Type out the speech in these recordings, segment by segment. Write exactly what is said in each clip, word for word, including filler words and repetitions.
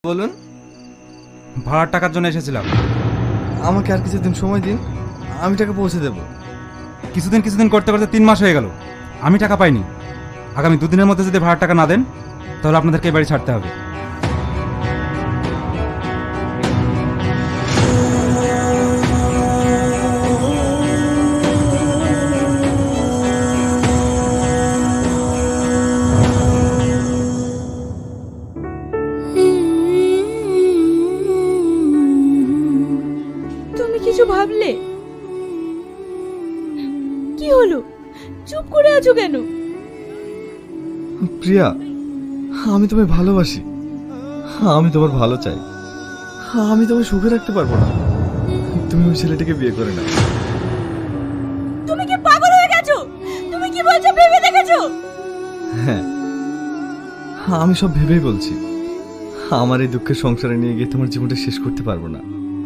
বলুন। ভাড়ার টাকার জন্য এসেছিলাম। আমাকে আর কিছুদিন সময় দিন, আমি টাকা পৌঁছে দেব। কিছুদিন কিছুদিন করতে করতে তিন মাস হয়ে গেল, আমি টাকা পাইনি। আগামী দুদিনের মধ্যে যদি ভাড়ার টাকা না দেন তাহলে আপনাদেরকে এই বাড়ি ছাড়তে হবে। তুমি কিছু ভাবলে? কি হলো, চুপ করে আছো কেন? প্রিয়া, আমি তোমায় ভালোবাসি, আমি তোমার ভালো চাই। আমি তোমায় সুখে রাখতে পারবো না, তুমি ওই ছেলেটাকে বিয়ে করে নাও। তুমি কি পাগল হয়ে গেছো? তুমি কি বলছো ভেবে দেখেছো? হ্যাঁ, আমি সব ভেবেই বলছি। আমার এই দুঃখের সংসারে নিয়ে গিয়ে তোমার জীবনটা শেষ করতে পারবো না।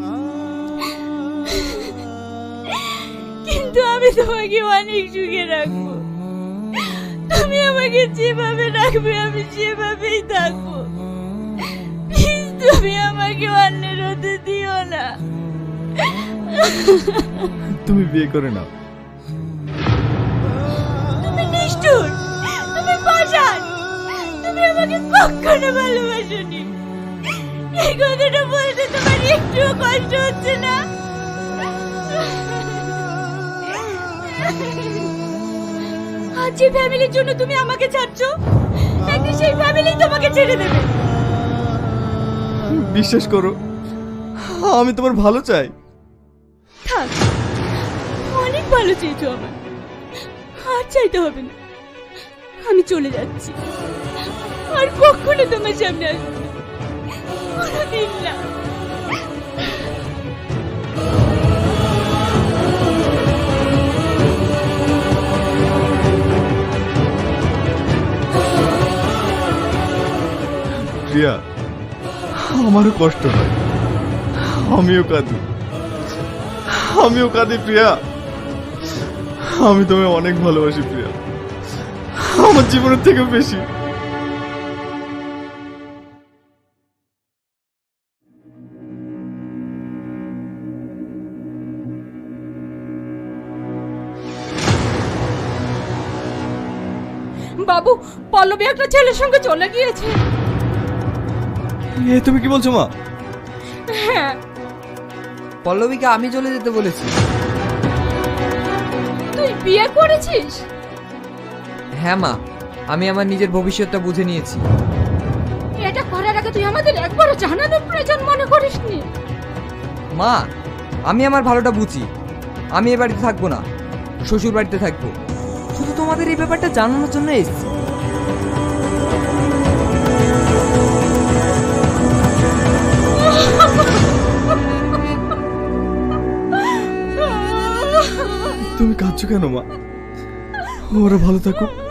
কিন্তু আমি তোমাকে অনেক সুখে রাখবো। তুমি আমাকে যেভাবে রাখবে আমি সেভাবেই থাকবো। প্লিজ তুমি আমাকে অন্যের হতে দিও না। তুমি বিয়ে করে নাও। তুমি নিষ্ঠুর, তুমি পাষাণ, তুমি আমাকে কখনো ভালোবাসোনি। এই কথাটা বলতে তোমার একটুও কষ্ট হচ্ছে না? আজ যে ফ্যামিলির জন্য তুমি আমাকে ছাড়ছো, একদিন সেই ফ্যামিলি তোমাকে ছেড়ে দেবে। বিশ্বাস করো, আমি তোমার ভালো চাই। থাক, অনেক ভালো চেয়েছো আমার, আর চাইতে হবে না। আমি চলে যাচ্ছি, আর কখনো তোমার সামনে আসবো না, কোনোদিন না। প্রিয়া, আমারও কষ্ট হয়, আমিও কাঁদি, আমিও কাঁদি প্রিয়া। আমি তোমায় অনেক ভালোবাসি প্রিয়া, আমার জীবনের থেকেও বেশি। বাবু, পল্লবী একটা ছেলের সঙ্গে চলে গিয়েছে। এ তুমি কি বলছো মা? হ্যাঁ। পল্লবীকে আমি চলে যেতে বলেছি। তুই বিয়ে করেছিস? হ্যাঁ মা, আমি আমার নিজের ভবিষ্যৎটা বুঝে নিয়েছি। এটা করার আগে তুই আমাদের একবারও জানানোর প্রয়োজন মনে করিসনি? মা, আমি আমার ভালোটা বুঝি। আমি এ বাড়িতে থাকবো না, শ্বশুর বাড়িতে থাকবো। শুধু তোমাদের এই ব্যাপারটা জানানোর জন্য এসেছি। তুমি কাঁদছো কেন মা? ওরা ভালো থাকুক,